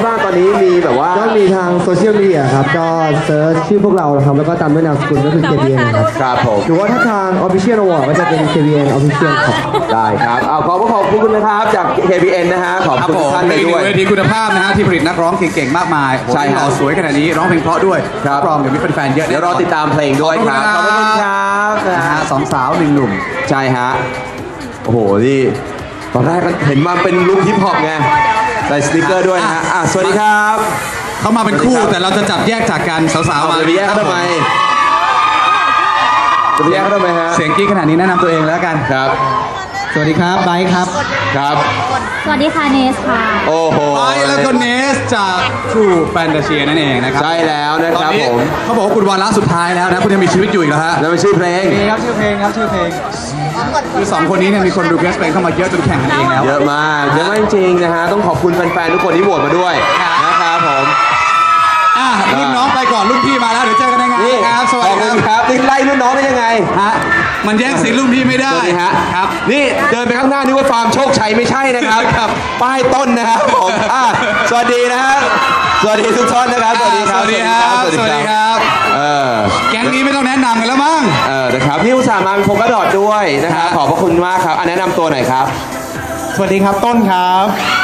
บ้างตอนนี้มีแบบว่าก็มีทางโซเชียลมีเดียครับก็เซิร์ชชื่อพวกเราครับแล้วก็ตามด้วยนามสกุลก็คือ KBN ครับผมหรือว่าถ้าทาง Official Award ก็จะเป็น KBN Official ครับได้ครับขอบคุณนะครับจาก KBN นะฮะขอบคุณทุกท่านเลยด้วยเวทีคุณภาพนะฮะที่ผลิตนักร้องเก่งๆมากมายใช่หล่อสวยขนาดนี้ร้องเพลงเพราะด้วยครับรองเดี๋ยวมีแฟนๆเยอะเดี๋ยวรอติดตามเพลงด้วยครับขอบคุณครับนะฮะสองสาวหนึ่งหนุ่มใช่ฮะโอ้โหนี่ตอนแรกเห็นมาเป็นลุคฮิปฮอปไงใส่สติกเกอร์ด้วยนะฮะสวัสดีครับเขามาเป็นคู่แต่เราจะจับแยกจากกันสาวๆมาจะไปแยกทำไมจะไปแยกทำไมฮะเสียงกี้ขนาดนี้แนะนำตัวเองแล้วกันครับสวัสดีครับไบค์ครับครับสวัสดีค่ะเนสค่ะโอ้โหไบค์แล้วก็เนสจาก True Fantasy นั่นเองนะครับใช่แล้วนะครับผมเขาบอกว่าคุณวาระสุดท้ายแล้วนะคุณยังมีชีวิตอยู่อีกแล้วฮะแล้วเป็นชื่อเพลงครับชื่อเพลงครับชื่อเพลงคือสองคนนี้เนี่ยมีคนรีเควสเพลงเข้ามาเยอะจนแข่งกันเองแล้วเยอะมากจริงนะฮะต้องขอบคุณแฟนๆทุกคนที่โหวตมาด้วยนะครับผมรุ่นน้องไปก่อนรุ่นพี่มาแล้วเดี๋ยวเจอกันในงานครับสวัสดีครับนี่ไล่รุ่นน้องได้ยังไงฮะมันแย่งสิทธิ์รุ่นพี่ไม่ได้ฮะครับนี่เดินไปข้างหน้านี่ว่าฟาร์มโชคชัยไม่ใช่นะครับป้ายต้นนะครับผมสวัสดีนะฮะสวัสดีทุกท่านนะครับสวัสดีครับสวัสดีครับสวัสดีครับแก๊งนี้ไม่ต้องแนะนำกันแล้วมั้งนะครับนี่อุตส่าห์มาเป็นโฟกัสดอทด้วยนะครับขอบพระคุณมากครับแนะนำตัวหน่อยครับสวัสดีครับต้นครับ